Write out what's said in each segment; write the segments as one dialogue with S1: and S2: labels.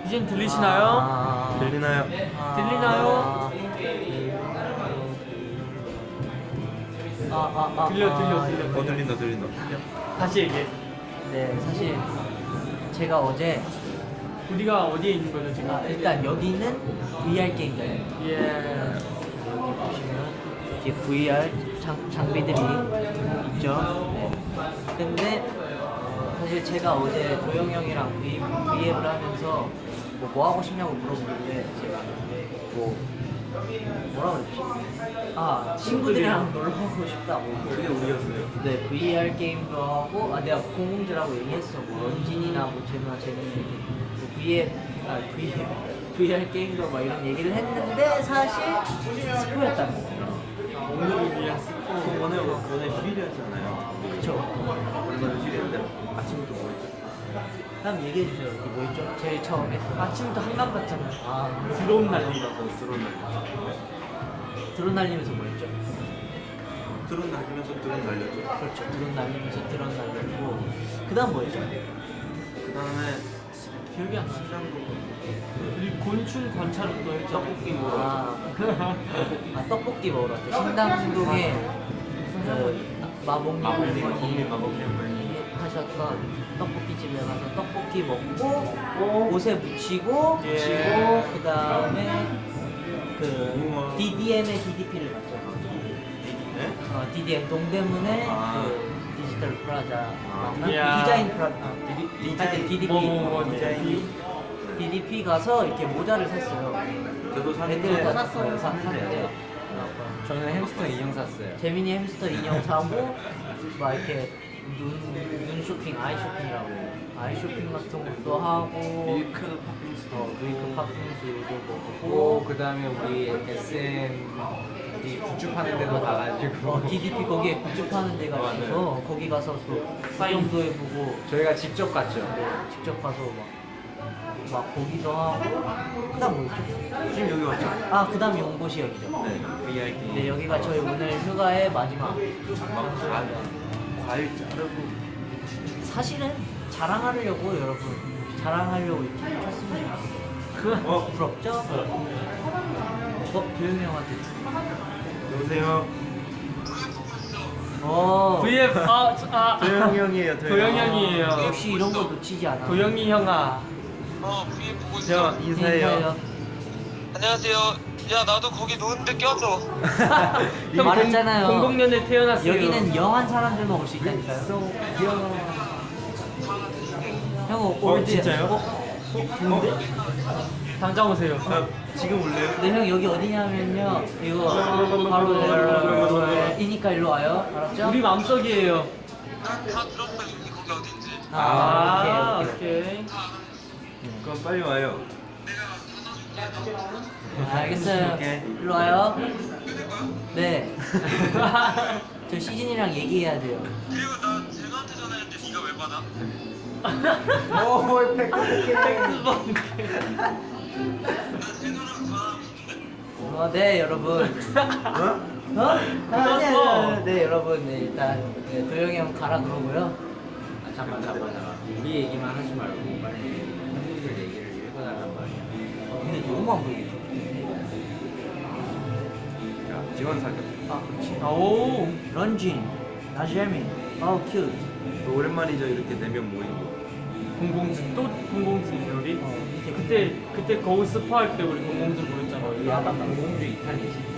S1: 이젠 들리시나요?
S2: 들리나요?
S1: 들리나요? 들려.
S2: 들린다.
S1: 다시 얘기해.
S3: 네, 사실 제가 어제
S1: 우리가 어디에 있는 거죠 지금?
S3: 일단 여기는 VR 게임장.
S1: 예.
S3: 여기 보시면 이렇게 VR 장비들이 있죠. 네. 근데 사실 제가 어제 도영 형이랑 V앱을 하면서 뭐 하고 싶냐고 물어보는데 제가 뭐라 그랬지? 친구들이랑 놀러 가고 싶다고.
S2: 그게 우리였어요.
S3: 네, VR 게임도 하고, 내가 공공지라고 얘기했어. 뭐, 런진이나 뭐, 재민이 이렇게. 뭐 VR 게임도 막 이런 얘기를 했는데, 사실, 스포였다는 거예요.
S1: 오늘을 위한 스포.
S2: 오늘 휴일이었잖아요.
S3: 그쵸.
S2: 오늘 휴일인데 아침부터 뭐 했죠?
S3: 다음 얘기해주세요. 이게 뭐였죠? 제일 처음에.
S1: 아침부터 한강 갔잖아요.
S3: 드론
S1: 드론 날리고.
S3: 드론 날리면서 뭐였죠?
S2: 드론 날리면서 드론 날렸죠.
S3: 그렇죠. 드론 날리면서 드론 날리고. 그 다음 뭐였죠?
S2: 그 다음에
S1: 기억이 안 나.
S2: 시장도
S1: 우리 곤충 관찰도 했죠.
S2: 떡볶이 먹으러
S3: 떡볶이 먹으러 왔죠. 신당동에 마법님 하셨던 떡볶이 집에 가서 떡볶이 먹고 옷에 묻히고 그 다음에 그 DDM의 DDP를 갔죠. DDM 동대문에 그 디지털 프라자 디자인 프라자 DDP DDP 가서 이렇게 모자를 샀어요.
S2: 저도
S3: 애들 다
S2: 샀어요.
S3: 샀는데
S4: 저는 햄스터 인형 샀어요.
S3: 재민이 햄스터 인형 사고 막 이렇게 눈 쇼핑, 아이 쇼핑이라고 아이 쇼핑 같은 것도 하고
S2: 밀크
S3: 팥빙수도 먹고
S4: 그 다음에 우리 SM 우리 굿즈 파는 데도 가가지고
S3: DDP 거기에 굿즈 파는 데가 있어서 거기 가서 또 사용도 해보고
S4: 저희가 직접 갔죠.
S3: 직접 가서 막 보기도 하고 그 다음 뭐였죠?
S2: 지금 여기 왔죠?
S3: 그 다음 연고시 여기죠.
S2: 네, VR 게임.
S3: 네, 여기가 저희 오늘 휴가의 마지막.
S2: 과일 자르고.
S3: 사실은 자랑하려고 여러분 자랑하려고 이렇게 켰습니다. 부럽죠? 도영이 형한테.
S2: 여보세요.
S1: VF
S2: 도영 형이에요.
S1: 도영 형이에요.
S3: 역시 이런 거 놓치지 않아.
S1: 도영이 형아.
S5: VF 보고 있어.
S2: 형 인사해요.
S5: 안녕하세요. 야, 나도 거기 노는데 껴줘.
S1: 형
S3: 말했잖아요.
S1: 00년에 태어났어요.
S3: 여기는 영한 사람들만 올 수 있다니까요. 형 올드.
S2: 진짜요?
S3: 좋은데?
S1: 당장 오세요.
S2: 지금 올래요?
S3: 네, 형 여기 어디냐면요. 이거 바로 이니까 일로 와요. 알았죠?
S1: 우리 마음속이에요.
S5: 다 들었어. 여기 거기 어딘지.
S1: 오케이.
S2: 그럼 빨리 와요.
S3: 알겠어요.
S2: 오케이.
S3: 일로 와요. 네. 저 시진이랑 얘기해야 돼요.
S5: 그리고 나 제노한테 전화했는데 네가 왜 받아? 나 제노랑 전화하고 싶은데.
S3: 네, 여러분. 아니야. 네, 여러분. 네, 일단 도영이 형 가라 그러고요.
S4: 잠깐. 우리 얘기만 하지 말고 빨리 팬분들 얘기를 읽어달란 말이야.
S3: 근데 너무 안 보이게.
S2: 자, 지원 사격.
S3: 그렇지.
S1: 오.
S3: 런쥔, 나재민, 큐트.
S2: 오랜만이죠, 이렇게 4명 모인 거.
S1: 007 또 007 우리.
S3: 이렇게
S1: 그때 거울 스파할 때 우리 007 보였잖아.
S4: 이 약간 공공주 이탈이지.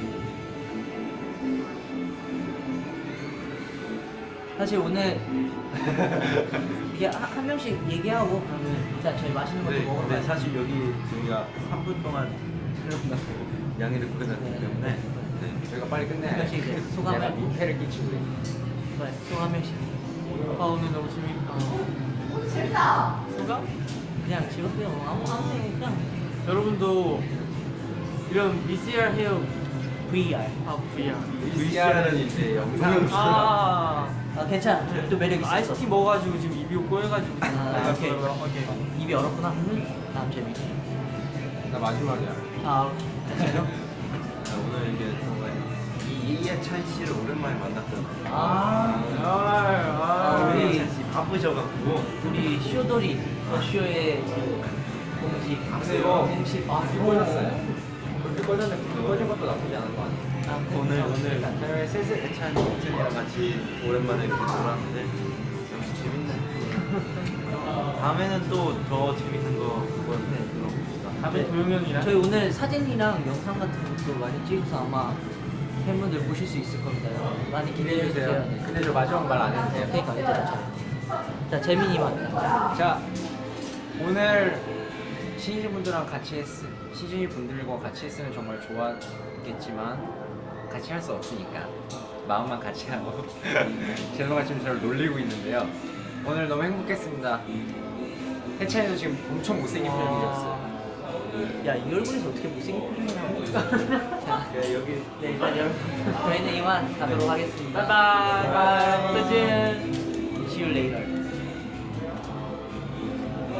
S3: 사실 오늘 이게 한 명씩 얘기하고 그러면 일단 저희 맛있는 것도 먹으러
S2: 근데
S3: 가요.
S2: 사실 여기 저희가 3분 동안 촬영하고 양해를 구해놨기 때문에
S4: 저희가 빨리 끝내야
S3: 한 명씩 이제 소감을.
S4: 내가 민폐를 끼치고 있네.
S3: 그래, 또한 명씩.
S1: 오늘 너무 재밌다. 소감?
S3: 그냥 즐겁게 아무 얘기 그냥
S1: 여러분도 이런 VCR 해요.
S3: VR.
S1: VR.
S2: VCR은 이제 영상.
S3: 괜찮아. 또 매력 있어.
S1: 아이스티 먹어가지고 지금 입이 꼬여가지고.
S3: 오케이.
S1: 오케이.
S3: 입이 얼었구나. 다음 재미.
S4: 나 마지막이야.
S3: 오케이. 됐어요?
S2: 오늘 이게 정말 이해찬 씨를 오랜만에 만났잖아요.
S3: 우리
S2: 이해찬 씨 바쁘셔갖고
S3: 우리 쇼돌이 쇼의 공식.
S2: 공식 불 꺼졌어요. 불 꺼졌는데 불 꺼진 것도 나쁘지 않은 것 같아요. 오늘 해외 슬슬 애찬이랑 같이 오랜만에 이렇게 놀았는데 역시 재밌네. 다음에는 또 더 재밌는 거 보는데 들어봅시다.
S1: 다음에 도영 형이랑
S3: 저희 오늘 사진이랑 영상 같은 것도 많이 찍어서 아마 팬분들 보실 수 있을 겁니다. 많이 기대해 주세요. 네.
S2: 근데 저 마지막 말 안 해도 돼요?
S3: 그러니까 얘들아. 자 재민이만.
S4: 자, 오늘 시즌 분들과 같이 시즌 분들과 같이 했으면 정말 좋았겠지만 같이 할 수 없으니까 마음만 같이 하고 제노가 지금 저를 놀리고 있는데요. 오늘 너무 행복했습니다. 해찬이도 지금 엄청 못생긴 표정이었어요.
S3: 야이 얼굴에서 어떻게 못생긴 표정이 나오는 자 여기 네 일단 여러분 저희는 이만 가도록 하겠습니다.
S1: 바이바이.
S3: 바이바이. See you later.